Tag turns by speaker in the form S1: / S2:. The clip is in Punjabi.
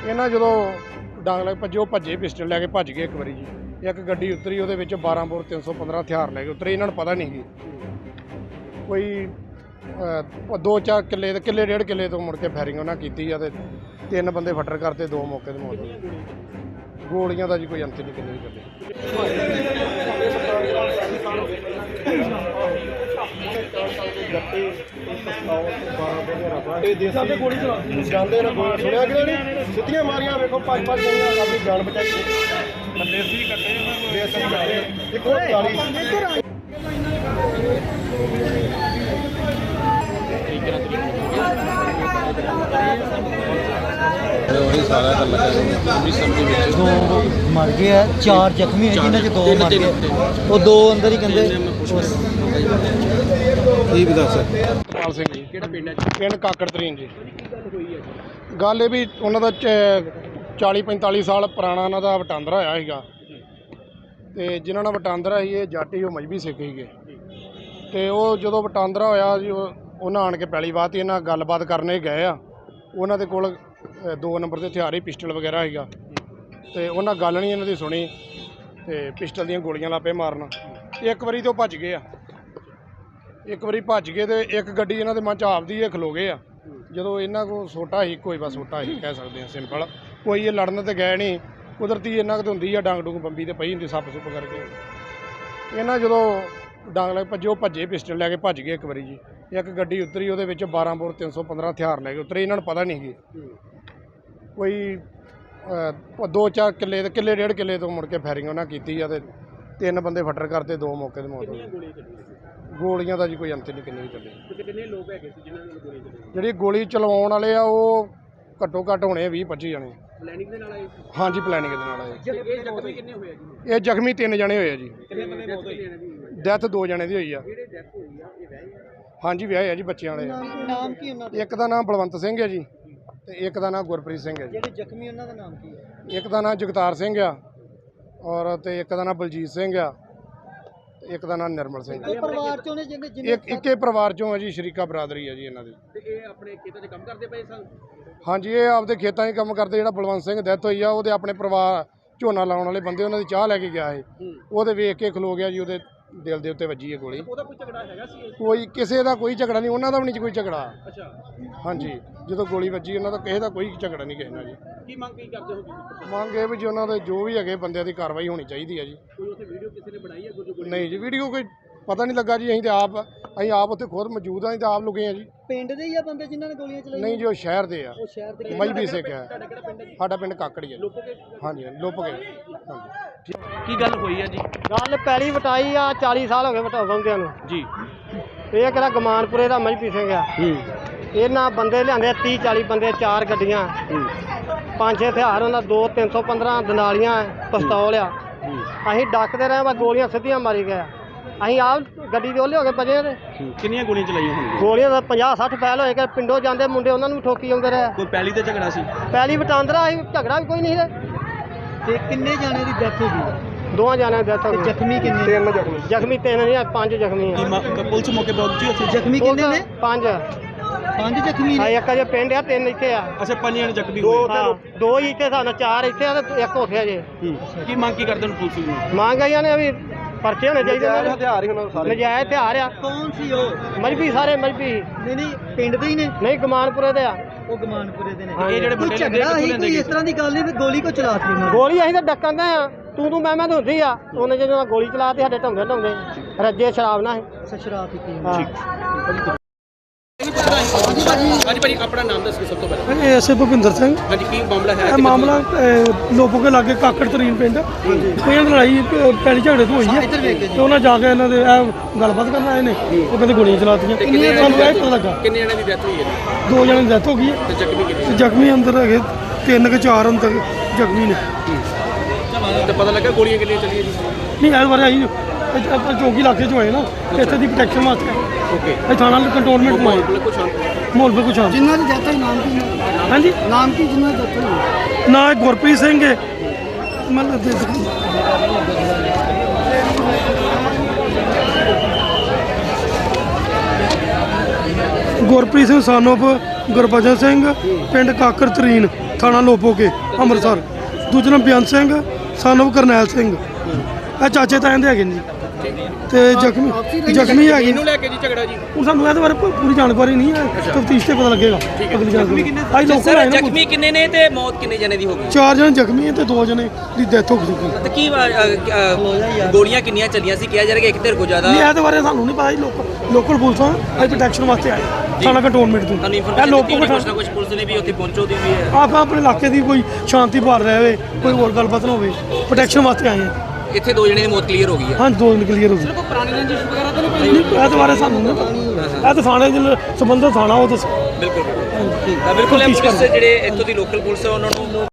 S1: ਇਹਨਾਂ ਜਦੋਂ ਡਾਂਗ ਲੈ ਭੱਜੇ, ਉਹ ਭੱਜੇ ਪਿਸਟਲ ਲੈ ਕੇ ਭੱਜ ਗਏ। ਇੱਕ ਵਾਰੀ ਜੀ ਇੱਕ ਗੱਡੀ ਉਤਰੀ, ਉਹਦੇ ਵਿੱਚ 12 ਬੋਰ 315 ਹਥਿਆਰ ਲੈ ਕੇ ਉਤਰੇ। ਇਹਨਾਂ ਨੂੰ ਪਤਾ ਨਹੀਂ ਸੀ ਕੋਈ 2-4 ਕਿੱਲੇ ਦੇ ਕਿੱਲੇ 1.5 ਕਿੱਲੇ ਤੋਂ ਮੁੜ ਕੇ ਫਾਇਰਿੰਗ ਉਹਨਾਂ ਕੀਤੀ ਆ ਤੇ 3 ਬੰਦੇ ਫੱਟਰ ਕਰਤੇ, 2 ਮੌਕੇ ਤੇ ਮੌਤ ਹੋਈ। ਗੋਲੀਆਂ ਦਾ ਜੀ ਕੋਈ ਅੰਤ ਨਹੀਂ ਕਿੰਨੇ ਵੀ ਕੱਢੇ। ਜਾਂਦੇ ਨੇ ਗੋਲੀਆਂ ਸੁਣਿਆ ਕਿ ਨਹੀਂ, ਸਿੱਧੀਆਂ ਮਾਰੀਆਂ ਵੇਖੋ 5-5 ਗਈਆਂ, ਆਪਣੀ ਜਾਨ ਬਚਾਈ। ਦੇਸੀ ਕੱਟੇ ਦੇਸੀ ਕੱਟੇ ਇੱਕ ਹੋਰ 40
S2: मर गए है, 4 जख्मी है जिन्हें 2 मर गए, वो 2 अंदर ही कहते।
S1: ਪਾਲ ਸਿੰਘ ਜੀ, ਕਿਹੜਾ ਪਿੰਡ ਹੈ? ਪਿੰਡ ਕਾਕੜ ਤਰੀਨ ਜੀ। ਗੱਲ ਇਹ ਵੀ ਉਹਨਾਂ ਦਾ 40-45 ਸਾਲ ਪੁਰਾਣਾ ਉਹਨਾਂ ਦਾ ਵਟਾਂਦਰਾ ਹੋਇਆ ਸੀਗਾ ਤੇ ਜਿਨ੍ਹਾਂ ਨਾਲ ਵਟਾਂਦਰਾ ਸੀ ਇਹ ਜੱਟ ਹੀ, ਉਹ ਮਜ਼੍ਹਬੀ ਸਿੱਖ ਸੀਗੇ ਤੇ ਉਹ ਜਦੋਂ ਵਟਾਂਦਰਾ ਹੋਇਆ ਜੀ ਉਹਨਾਂ ਆਣ ਕੇ ਪੈਲੀ ਬਾਤ ਹੀ ਇਹਨਾਂ ਗੱਲਬਾਤ ਕਰਨੇ ਗਏ ਆ। ਉਹਨਾਂ ਦੇ ਕੋਲ 2 ਨੰਬਰ ਦੇ ਹਥਿਆਰ ਹੀ ਪਿਸਟਲ ਵਗੈਰਾ ਸੀਗਾ ਤੇ ਉਹਨਾਂ ਗੱਲ ਨਹੀਂ ਇਹਨਾਂ ਦੀ ਸੁਣੀ ਤੇ ਪਿਸਟਲ ਦੀਆਂ ਗੋਲੀਆਂ ਲਾਪੇ ਮਾਰਨ। ਇੱਕ ਵਾਰੀ ਤੋਂ ਭੱਜ ਗਏ ਆ, ਇੱਕ ਵਾਰੀ ਭੱਜ ਗਏ ਤੇ ਇੱਕ ਗੱਡੀ ਇਹਨਾਂ ਦੇ ਮਨ 'ਚ ਆਪਦੀ ਇਹ ਖਲੋ ਗਏ ਆ। ਜਦੋਂ ਇਹਨਾਂ ਕੋਲ ਸੋਟਾ ਹੀ, ਕੋਈ ਬਸ ਸੋਟਾ ਹੀ ਕਹਿ ਸਕਦੇ ਆ ਸਿੰਪਲ, ਕੋਈ ਇਹ ਲੜਨ ਤੇ ਗਏ ਨਹੀਂ। ਕੁਦਰਤੀ ਇਹਨਾਂ ਕੁ ਹੁੰਦੀ ਆ, ਡਾਂਗ ਡੂੰਗ ਬੰਬੀ ਤੇ ਪਈ ਹੁੰਦੀ ਸੱਪ ਸੁੱਪ ਕਰਕੇ। ਇਹਨਾਂ ਜਦੋਂ ਡਾਂਗ ਲੈ ਭੱਜੇ, ਉਹ ਭੱਜੇ ਪਿਸਟਲ ਲੈ ਕੇ ਭੱਜ ਗਏ। ਇੱਕ ਵਾਰੀ ਜੀ ਇੱਕ ਗੱਡੀ ਉਤਰੀ, ਉਹਦੇ ਵਿੱਚ 12 ਬੋਰ 315 ਹਥਿਆਰ ਲੈ ਕੇ ਉਤਰੇ। ਇਹਨਾਂ ਨੂੰ ਪਤਾ ਨਹੀਂ ਸੀ ਕੋਈ 2-4 ਕਿੱਲੇ ਦੇ ਕਿੱਲੇ 1.5 ਕਿੱਲੇ ਤੋਂ ਮੁੜ ਕੇ ਫਾਇਰਿੰਗ ਉਹਨਾਂ ਕੀਤੀ ਆ ਤੇ 3 ਬੰਦੇ ਫੱਟਰ ਕਰਤੇ, 2 ਮੌਕੇ ਤੇ ਮੌਤ ਹੋਈ। ਗੋਲੀਆਂ ਦਾ ਜੀ ਕੋਈ ਅੰਤ ਨਹੀਂ ਕਿੰਨੇ ਵੀ ਚੱਲੇ। ਕਿੰਨੇ ਲੋਕ ਹੈਗੇ ਸੀ ਜਿਨ੍ਹਾਂ ਨੂੰ ਗੋਲੀ ਚੱਲੀ? ਜਿਹੜੀ ਗੋਲੀ ਚਲਵਾਉਣ ਵਾਲੇ ਆ ਉਹ ਘੱਟੋ ਘੱਟ ਹੋਣੇ 20-25 ਜਣੇ। ਪਲੈਨਿੰਗ ਦੇ ਨਾਲ ਆਏ? ਹਾਂਜੀ, ਪਲੈਨਿੰਗ ਦੇ ਨਾਲ ਆਏ। ਇਹ ਜ਼ਖਮੀ ਕਿੰਨੇ ਹੋਏ ਜੀ? ਇਹ ਜ਼ਖਮੀ 3 ਜਣੇ ਹੋਏ ਆ ਜੀ। ਕਿੰਨੇ ਬੰਦੇ ਮੌਤ ਹੋਈ? ਡੈਥ 2 ਜਣੇ ਦੀ ਹੋਈ ਆ। ਜਿਹੜੇ ਡੈਥ ਹੋਈ ਆ ਇਹ ਵਿਆਹੇ ਆ? ਹਾਂਜੀ, ਵਿਆਹੇ ਆ ਜੀ, ਬੱਚਿਆਂ ਵਾਲੇ।
S2: ਨਾਮ ਕੀ ਉਹਨਾਂ ਦਾ?
S1: ਇੱਕ ਦਾ ਨਾਮ ਬਲਵੰਤ ਸਿੰਘ ਹੈ ਜੀ ਤੇ ਇੱਕ ਦਾ ਨਾਮ ਗੁਰਪ੍ਰੀਤ ਸਿੰਘ ਹੈ ਜੀ।
S2: ਜਿਹੜੇ ਜ਼ਖਮੀ ਉਹਨਾਂ ਦਾ ਨਾਮ ਕੀ ਹੈ?
S1: ਇੱਕ ਦਾ ਨਾਮ ਜਗਤਾਰ ਸਿੰਘ ਆ ਔਰ ਤੇ ਇੱਕ ਦਾ ਨਾਮ ਬਲਜੀਤ ਸਿੰਘ ਆ ਤੇ ਇੱਕ ਦਾ ਨਾਮ ਨਿਰਮਲ ਸਿੰਘ।
S2: ਪਰਿਵਾਰ ਚੋਂ ਨੇ ਜਿਹਨੇ
S1: ਇੱਕੇ ਪਰਿਵਾਰ ਚੋਂ ਹੈ ਜੀ, ਸ਼ਰੀਕਾ ਬਰਾਦਰੀ ਹੈ ਜੀ ਇਹਨਾਂ ਦੀ।
S3: ਤੇ ਇਹ ਆਪਣੇ ਖੇਤਾਂ 'ਚ ਕੰਮ ਕਰਦੇ ਪਏ ਸਨ?
S1: ਹਾਂਜੀ, ਇਹ ਆਪਦੇ ਖੇਤਾਂ 'ਚ ਕੰਮ ਕਰਦੇ। ਜਿਹੜਾ ਬਲਵੰਤ ਸਿੰਘ ਡੈਥ ਹੋਈ ਆ ਉਹਦੇ ਆਪਣੇ ਪਰਿਵਾਰ ਝੋਨਾ ਲਾਉਣ ਵਾਲੇ ਬੰਦੇ, ਉਹਨਾਂ ਦੀ ਚਾਹ ਲੈ ਕੇ ਗਿਆ ਇਹ, ਉਹਦੇ ਵੇਖ ਕੇ ਖਲੋ ਗਿਆ ਜੀ, ਉਹਦੇ ਦਿਲ ਦੇ ਉੱਤੇ ਵੱਜੀ ਹੈ ਗੋਲੀ।
S3: ਉਹਦਾ ਕੋਈ ਝਗੜਾ ਹੈਗਾ ਸੀ?
S1: ਕੋਈ ਕਿਸੇ ਦਾ ਕੋਈ ਝਗੜਾ ਨਹੀਂ, ਉਹਨਾਂ ਦਾ ਵੀ ਨਹੀਂ ਕੋਈ ਝਗੜਾ।
S3: ਅੱਛਾ।
S1: ਹਾਂਜੀ, ਜਦੋਂ ਗੋਲੀ ਵੱਜੀ ਉਹਨਾਂ ਦਾ ਕਿਸੇ ਦਾ ਕੋਈ ਝਗੜਾ ਨਹੀਂ ਕਿਸੇ ਨਾਲ ਜੀ।
S3: ਕੀ ਮੰਗ ਕੀ ਕਰਦੇ ਹੋ ਤੁਸੀਂ?
S1: ਮੰਗ ਇਹ ਵੀ ਜੀ ਉਹਨਾਂ ਦੇ ਜੋ ਵੀ ਹੈਗੇ ਬੰਦਿਆਂ ਦੀ ਕਾਰਵਾਈ ਹੋਣੀ ਚਾਹੀਦੀ ਹੈ ਜੀ।
S3: ਕੋਈ ਉੱਥੇ ਵੀਡੀਓ ਕਿਸੇ ਨੇ ਬਣਾਈ ਹੈ? ਕੋਈ
S1: ਨਹੀਂ ਜੀ, ਵੀਡੀਓ ਕੋਈ ਪਤਾ ਨਹੀਂ ਲੱਗਾ ਜੀ। ਅਸੀਂ ਆਪ ਉੱਥੇ ਖੁਦ ਮੌਜੂਦ ਹਾਂ, ਅਸੀਂ ਤਾਂ ਆਪ ਲੁਕੇ ਹਾਂ ਜੀ।
S2: ਪਿੰਡ ਦੇ ਹੀ ਆ ਬੰਦੇ ਜਿਨ੍ਹਾਂ ਨੇ ਗੋਲੀਆਂ ਚਲਾਈਆਂ?
S1: ਨਹੀਂ ਜੀ, ਉਹ ਸ਼ਹਿਰ ਦੇ ਆ,
S2: ਉਹ ਸ਼ਹਿਰ ਦੇ।
S1: ਮਜ਼੍ਹਬੀ ਸਿੱਖ ਹੈ।
S3: ਤੁਹਾਡਾ ਕਿਹੜਾ ਪਿੰਡ ਹੈ?
S1: ਸਾਡਾ ਪਿੰਡ ਕਾਕੜੀ ਹੈ।
S3: ਲੋਪੋਗੇ?
S1: ਹਾਂਜੀ, ਲੁੱਪ ਗਏ। ਹਾਂਜੀ।
S3: ਕੀ ਗੱਲ ਹੋਈ ਹੈ ਜੀ?
S4: ਗੱਲ ਪੈਲੀ ਵਟਾਈ ਆ, 40 ਸਾਲ ਹੋ ਗਏ ਵਟਾਉਂਦਿਆਂ ਨੂੰ
S3: ਜੀ।
S4: ਇਹ ਕਿਹੜਾ ਗਮਾਨਪੁਰੇ ਦਾ ਮਜ਼੍ਹਬੀ ਸਿੰਘ ਆ। ਇਹਨਾਂ ਬੰਦੇ ਲਿਆਂਦੇ 30-40 ਬੰਦੇ, 4 ਗੱਡੀਆਂ, 5-6 ਹਥਿਆਰ, ਉਹਨਾਂ 2 315 ਦਨਾਲੀਆਂ, ਪਿਸਤੌਲ ਆ। ਅਸੀਂ ਡੱਕਦੇ ਰਹੇ, ਬਸ ਗੋਲੀਆਂ ਸਿੱਧੀਆਂ ਮਾਰੀ ਗਏ। ਅਸੀਂ ਆਪ ਗੱਡੀ ਦੇ ਉਹਲੇ ਹੋ ਕੇ ਬਜੇ ਤੇ
S3: ਕਿੰਨੀਆਂ ਗੋਲੀਆਂ ਚਲਾਈਆਂ ਹੋਣਗੀਆਂ?
S4: ਗੋਲੀਆਂ ਦਾ 50-60 ਫੈਲ ਹੋਏ ਕਿ ਪਿੰਡੋਂ ਜਾਂਦੇ ਮੁੰਡੇ ਉਹਨਾਂ ਨੂੰ ਵੀ ਠੋਕੀ ਆਉਂਦੇ ਰਹੇ।
S3: ਕੋਈ ਪਹਿਲੀ ਤੇ ਝਗੜਾ ਸੀ?
S4: ਪੈਲੀ ਵਟਾਂਦਰਾ ਅਸੀਂ, ਝਗੜਾ ਵੀ ਕੋਈ ਨਹੀਂ ਸੀ।
S2: ਤੇ ਕਿੰਨੇ ਜਾਣੇ ਦੀ ਡੈਥ ਹੋ ਗਈ?
S4: 2 ਜਣਿਆਂ ਦੀ ਡੈਥ ਹੋ ਗਈ।
S2: ਜ਼ਖਮੀ ਕਿੰਨੇ?
S1: 3 ਜ਼ਖਮੀ।
S4: ਜ਼ਖਮੀ 3 ਨਹੀਂ, 5 ਜ਼ਖਮੀ ਆ।
S3: ਪੁਲਿਸ ਮੌਕੇ ਪਹੁੰਚੀ ਉੱਥੇ?
S2: ਜ਼ਖਮੀ ਕਿੰਨੇ ਨੇ?
S4: 5
S2: ਜ਼ਖਮੀ ਨੇ।
S4: ਇੱਕ ਅਜੇ ਪਿੰਡ ਆ, 3 ਇੱਥੇ ਆ।
S3: ਅੱਛਾ, 5 ਜਣੇ ਜ਼ਖਮੀ ਹੋਏ।
S4: ਹਾਂ, 2 ਹੀ ਇੱਥੇ ਸਾਨੂੰ, 4 ਇੱਥੇ ਆ ਤੇ 1 ਉੱਥੇ ਆ ਜੇ।
S3: ਕੀ ਮੰਗ ਕੀ ਕਰਦੇ ਨੇ ਪੁਲਿਸ ਨੂੰ?
S4: ਮੰਗ ਆਈਆਂ ਨੇ ਵੀ ਪਰਚੇ ਹੋਣੇ ਚਾਹੀਦੇ ਨੇ।
S1: ਹਥਿਆਰ ਹੀ ਉਹਨਾਂ ਸਾਰੇ
S4: ਨਜਾਇਜ਼ ਹਥਿਆਰ ਆ।
S2: ਕੌਣ ਸੀ ਉਹ?
S4: ਮਜ਼੍ਹਬੀ, ਸਾਰੇ ਮਜ਼੍ਹਬੀ।
S2: ਨਹੀਂ ਪਿੰਡ ਦੇ ਹੀ ਨੇ?
S4: ਨਹੀਂ, ਗਮਾਨਪੁਰੇ ਦੇ ਆ।
S2: ਉਹ ਗਮਾਨਪੁਰੇ ਦੇ ਨੇ।
S3: ਇਹ ਜਿਹੜੇ
S2: ਕੋਈ
S3: ਬੰਦੇ
S2: ਝਗੜਾ ਹੀ ਕੋਈ ਇਸ ਤਰ੍ਹਾਂ ਦੀ ਗੱਲ ਨਹੀਂ ਵੀ ਗੋਲੀ ਕੋ ਚਲਾਤੀ ਉਹਨਾਂ ਨੇ?
S4: ਗੋਲੀ ਅਸੀਂ ਤਾਂ ਡੱਕਣ ਦੇ ਆ, ਤੂੰ ਮੈਂ ਤਾਂ ਹੁੰਦੀ ਆ। ਉਹਨੇ ਜਦੋਂ ਗੋਲੀ ਚਲਾਤੀ ਸਾਡੇ ਢਾਉਂਦੇ ਰੱਜੇ ਸ਼ਰਾਬ ਨਾਲ।
S2: ਸ਼ਰਾਬ ਪੀਤੀ।
S4: ਹਾਂ।
S3: ਹਾਂਜੀ ਭਾਜੀ, ਆਪਣਾ ਨਾਮ ਦੱਸੋ ਸਭ ਤੋਂ ਪਹਿਲਾਂ।
S5: ਐਸੇ ਭੁਪਿੰਦਰ ਸਿੰਘ।
S3: ਹਾਂਜੀ, ਕੀ ਮਾਮਲਾ ਹੈ?
S5: ਇਹ ਮਾਮਲਾ ਲੋਪੋ ਕੇ ਲਾਗੇ ਕਾਕੜ ਤਰੀਨ ਪਿੰਡ, ਕੋਈ ਲੜਾਈ ਪੈਲੀ ਝਗੜੇ ਤੋਂ ਹੋਈ ਹੈ ਤੇ ਉਹਨਾਂ ਜਾ ਕੇ ਇਹਨਾਂ ਦੇ ਇਹ ਗੱਲਬਾਤ ਕਰਨ ਆਏ ਨੇ। ਉਹ ਕਹਿੰਦੇ ਗੋਲੀਆਂ ਚਲਾਤੀਆਂ। ਸਾਨੂੰ ਇਹ ਪਤਾ ਲੱਗਾ
S3: ਕਿੰਨੇ ਜਣਿਆਂ ਦੀ ਡੈਥ ਹੋਈ ਹੈ?
S5: 2 ਜਣਿਆਂ ਦੀ ਡੈਥ ਹੋ ਗਈ ਹੈ
S3: ਤੇ ਜ਼ਖਮੀ ਕਿੰਨੇ?
S5: ਤੇ ਜ਼ਖਮੀ ਅੰਦਰ ਹੈਗੇ 3 ਕਿ 4 ਅੰਦਰ ਜ਼ਖਮੀ ਨੇ।
S3: ਤੇ ਪਤਾ ਲੱਗਾ ਗੋਲੀਆਂ ਕਿੰਨੀਆਂ ਚੱਲੀਆਂ ਜੀ?
S5: ਨਹੀਂ, ਇਸ ਬਾਰੇ ਆਈ ਆਪਾਂ ਚੌਕੀ ਇਲਾਕੇ 'ਚ ਹੋਏ ਨਾ, ਇੱਥੇ ਦੀ ਪ੍ਰੋਟੈਕਸ਼ਨ ਵਾਸਤੇ
S3: ਓਕੇ।
S5: ਇਹ ਥਾਣਾ ਕੰਟੋਨਮੈਂਟ ਮਾਹੌਲ
S3: ਬਿਲਕੁਲ ਸ਼ਾਂਤ।
S5: ਬਿਲਕੁਲ ਸ਼ਾਂਤ।
S2: ਜਿਨ੍ਹਾਂ ਦੀ ਡੈਥ ਹੋਈ ਨਾਮ ਕੀ?
S5: ਹਾਂਜੀ,
S2: ਨਾਮ ਕੀ ਜਿਨ੍ਹਾਂ ਦੀ ਡੈਥ ਹੋਈ?
S5: ਨਾ ਗੁਰਪ੍ਰੀਤ ਸਿੰਘ ਹੈ ਮਤਲਬ ਗੁਰਪ੍ਰੀਤ ਸਿੰਘ son of ਗੁਰਬਚਨ ਸਿੰਘ, ਪਿੰਡ ਕਾਕਰ ਤਰੀਨ। ਥਾਣਾ ਲੋਪੋਕੇ ਅੰਮ੍ਰਿਤਸਰ। ਦੂਜਾ ਨਾਮ ਬੇਅੰਤ ਸਿੰਘ ਸਾਨੂੰ ਕਰਨੈਲ ਸਿੰਘ, ਇਹ ਚਾਚੇ ਤਾਇਆਂ ਦੇ ਹੈਗੇ ਨੇ ਜੀ। ਤੇ ਜ਼ਖਮੀ ਹੈਗੇ
S3: ਇਹਨੂੰ ਲੈ ਕੇ ਜੀ ਝਗੜਾ ਜੀ।
S5: ਹੁਣ ਸਾਨੂੰ ਇਹਦੇ ਬਾਰੇ ਪੂਰੀ ਜਾਣਕਾਰੀ ਨਹੀਂ ਹੈ, ਤਫਤੀਸ਼ ਤੇ ਪਤਾ ਲੱਗੇਗਾ ਅਗਲੀ ਜਾਣਕਾਰੀ। ਅੱਜ ਲੋਕਾਂ
S6: ਸਰ
S5: ਆਏ ਨੇ,
S6: ਜ਼ਖਮੀ ਕਿੰਨੇ ਨੇ ਤੇ ਮੌਤ ਕਿੰਨੇ ਜਣੇ ਦੀ ਹੋ ਗਈ?
S5: 4 ਜਣੇ ਜ਼ਖਮੀ ਹੈ ਤੇ 2 ਜਣੇ ਦੀ ਡੈਥ ਹੋ ਚੁੱਕੀ।
S6: ਤੇ ਕੀ ਗੋਲੀਆਂ ਕਿੰਨੀਆਂ ਚੱਲੀਆਂ ਸੀ? ਕਿਹਾ ਜਾ ਰਿਹਾ ਕਿ ਇੱਕ ਧਿਰ ਕੋ ਜ਼ਿਆਦਾ।
S5: ਨਹੀਂ ਇਹਦੇ ਬਾਰੇ ਸਾਨੂੰ ਨਹੀਂ ਪਤਾ ਜੀ। ਲੋਕਲ ਪੁਲਿਸਾਂ ਅੱਜ ਪ੍ਰੋਟੈਕਸ਼ਨ ਵਾਸਤੇ ਆਏ ਥਾਣਾ ਕੰਟੋਨਮੈਂਟ ਤੋਂ।
S6: ਤੁਹਾਨੂੰ
S5: ਇਹ
S6: ਇਨਫੋਰਮੇਸ਼ਨ
S5: ਲੋਕੋ
S6: ਦਿੱਤੀ ਕੁਝ ਨਾ ਕੁਝ ਪੁਲਿਸ ਨੇ ਵੀ ਉੱਥੇ ਪਹੁੰਚੋ ਦੀ ਵੀ ਹੈ।
S5: ਆਪਾਂ ਆਪਣੇ ਇਲਾਕੇ ਦੀ ਕੋਈ ਸ਼ਾਂਤੀ ਭਾਲ ਰਿਹਾ ਹੋਵੇ, ਕੋਈ ਹੋਰ ਗੱਲਬਾਤ ਨਾ ਹੋਵੇ, ਪ੍ਰੋਟੈਕਸ਼ਨ ਵਾਸਤੇ ਆਏ ਹਾਂ।
S6: ਇੱਥੇ 2 ਜਣੇ ਦੀ ਮੌਤ ਕਲੀਅਰ ਹੋ ਗਈ ਹੈ।
S5: ਹਾਂ 2 ਦਿਨ ਕਲੀਅਰ ਹੋ ਗਈ। ਕੋਈ ਪੁਰਾਣੀ ਰੰਜਿਸ਼ ਵਗੈਰਾ ਤਾਂ ਨਹੀਂ? ਇਹਦੇ ਬਾਰੇ ਸਾਨੂੰ ਨਹੀਂ ਪਤਾ। ਇਹ ਤਾਂ ਥਾਣੇ ਦੇ ਸੰਬੰਧਿਤ ਥਾਣਾ ਉਹ ਦੱਸੋ।
S6: ਬਿਲਕੁਲ ਬਿਲਕੁਲ। ਤਾਂ ਬਿਲਕੁਲ ਇਹ ਪੁਲਿਸ ਜਿਹੜੇ ਇੱਥੋਂ ਦੀ ਲੋਕਲ ਪੁਲਿਸ ਹੈ ਉਹਨਾਂ ਨੂੰ